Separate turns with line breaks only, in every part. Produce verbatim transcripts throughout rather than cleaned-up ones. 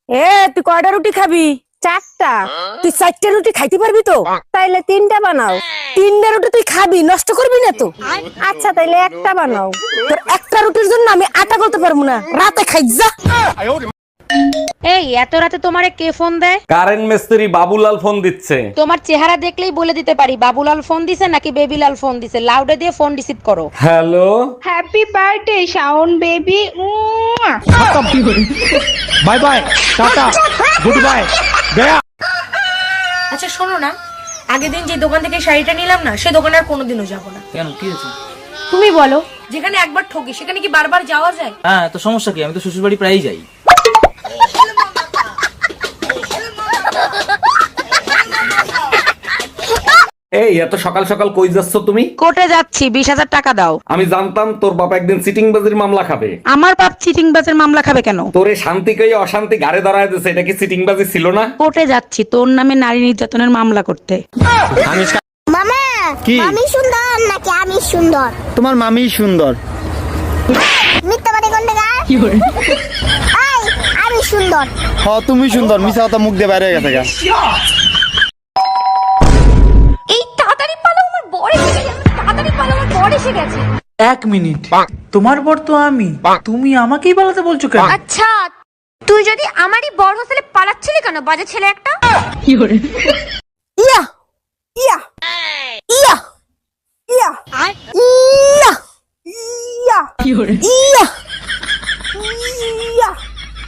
এ তুই কয়টা রুটি খাবি?
চারটা।
তুই চারটা রুটি খাইতে পারবি তো?
তাইলে তিনটা বানাও।
তিনটা রুটি তুই খাবি, নষ্ট করবি না তো?
আচ্ছা তাইলে একটা বানাও।
তোর একটা রুটির জন্য আমি আটা করতে পারবো না, রাতে খাই যা।
এই এত রাতে তোমারে কে ফোন দেয়?
কারেন্ট মিস্ত্রি বাবুলাল ফোন দিচ্ছে।
তোমার চেহারা দেখলেই বলে দিতে পারি বাবুলাল ফোন দিছে নাকি বেবিলাল ফোন দিছে। লাউডে দিয়ে ফোন রিসিভ করো।
Hello,
happy birthday Shaon baby.
Bye bye, টাটা, গুড বাই, গয়া।
আচ্ছা শোনো না, আগের দিন যে দোকান থেকে শাড়িটা নিলাম না, সে দোকানে আর কোনোদিনও যাবো না।
কেন, কি হয়েছে?
তুমি বলো, যেখানে একবার ঠকি সেখানে কি বারবার যাওয়া যায়?
হ্যাঁ, তো সমস্যা কি? আমি তো শ্বশুর বাড়ি প্রায়ই যাই।
এই এত সকাল সকাল কই যাচ্ছ তুমি?
কোর্টে যাচ্ছি, বিশ হাজার টাকা দাও।
আমি জানতাম তোর বাবা একদিন সিটিং বাজির মামলা খাবে।
আমার বাপ চিটিং বাজের মামলা খাবে কেন?
তোরে শান্তি কই অশান্তি গাড়ে দাঁড়ায় দিছে, এটা কি সিটিং বাজি ছিল না?
কোর্টে যাচ্ছি তোর নামে নারী নির্যাতনের মামলা করতে।
মামা
কি?
আমি সুন্দর নাকি আমি সুন্দর?
তোমার মামি সুন্দর।
মিথ্যা বাড়ি কোন জায়গা? এই আমি সুন্দর।
হ, তুমি সুন্দর। মিছা কথা মুখ দিয়ে বাইরে হয়ে গেছে গা।
এই তাড়াতাড়ি পালো, আমার বর এসে গেছে। তাড়াতাড়ি পালো, আমার বর এসে গেছে।
এক মিনিট, তোমার বর তো আমি, তুমি আমাকেই পালাতে বলছো কেন?
আচ্ছা তুই যদি আমারই বর হোস্টেলে পালাচ্ছিলি কেন, বাজে ছেলে একটা?
ইয়া ইয়া ইয়া ইয়া ইয়া ইয়া ইয়া ইয়া।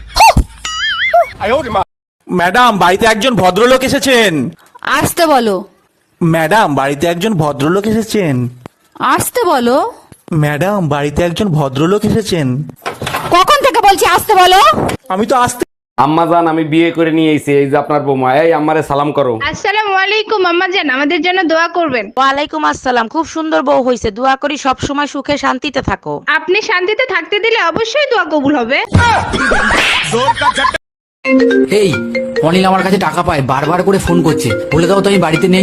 ম্যাডাম, বাড়িতে একজন ভদ্রলোক এসেছেন।
আসতে বলো।
ম্যাডাম, বাড়িতে একজন ভদ্রলোক এসেছেন।
আসতে বলো।
ম্যাডাম, বাড়িতে একজন ভদ্রলোক এসেছেন।
কখন থেকে বলছি আসতে বলো?
আমি তো আসতে।
আম্মা জান, আমি বিয়ে করে নিয়ে এসেছি, এই যে আপনার বৌমা। এই আম্মারে সালাম করো।
আসসালামু আলাইকুম আম্মা জান, আমাদের জন্য দোয়া করবেন।
ওয়ালাইকুম আসসালাম। খুব সুন্দর বউ হইছে, দোয়া করি সব সময় সুখে শান্তিতে থাকো।
আপনি শান্তিতে থাকতে দিলে অবশ্যই দোয়া কবুল হবে।
এই অনিল আমার কাছে টাকা পায়, বারবার করে ফোন করছে, বলে দাও তো আমি বাড়িতে নেই।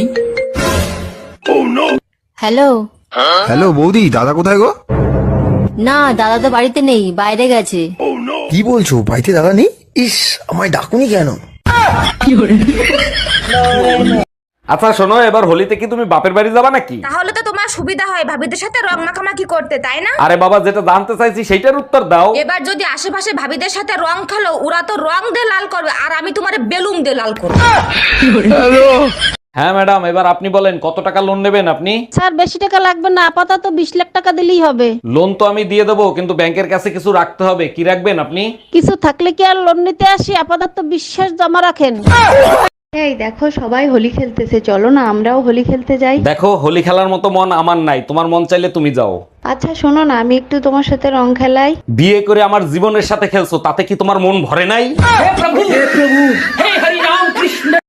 হ্যালো।
হ্যালো বৌদি, দাদা কোথায় গো?
না, দাদা তো বাড়িতে নেই, বাইরে গেছে।
কি বলছো, বাড়িতে দাদা নেই? ইস, আমায় ডাকুনি কেন?
আচ্ছা শোনো, এবার হোলিতে কি তুমি বাপের বাড়ি যাবা নাকি?
তাহলে তো তোমার সুবিধা হয় ভাবিদের সাথে রং মাখামাখি করতে, তাই না?
আরে বাবা, যেটা জানতে চাইছি সেইটার উত্তর দাও।
এবার যদি আশেপাশে ভাবিদের সাথে রং খেলো, ওরা তো রং দিয়ে লাল করবে আর আমি তোমার বেলুন দিয়ে লাল করবো।
হ্যাঁ ম্যাডাম, এবার আপনি বলেন কত টাকা লোন নেবেন আপনি?
স্যার বেশি টাকা লাগবে না, আপাতত বিশ লাখ টাকা দিলেই হবে।
লোন তো আমি দিয়ে দেবো, কিন্তু ব্যাংকের কাছে কিছু রাখতে হবে। কি রাখবেন আপনি?
কিছু থাকলে কি আর লোন নিতে আসি? আপাতত বিশ্বাস জমা রাখেন।
এই দেখো সবাই হোলি খেলতেছে, চলো না আমরাও হোলি খেলতে যাই।
দেখো, হোলি খেলার মতো মন আমার নাই, তোমার মন চাইলে তুমি যাও।
আচ্ছা শোনো না, আমি একটু তোমার সাথে রং খেলাই।
বিয়ে করে আমার জীবনের সাথে খেলছো, তাতে কি তোমার মন ভরে নাই?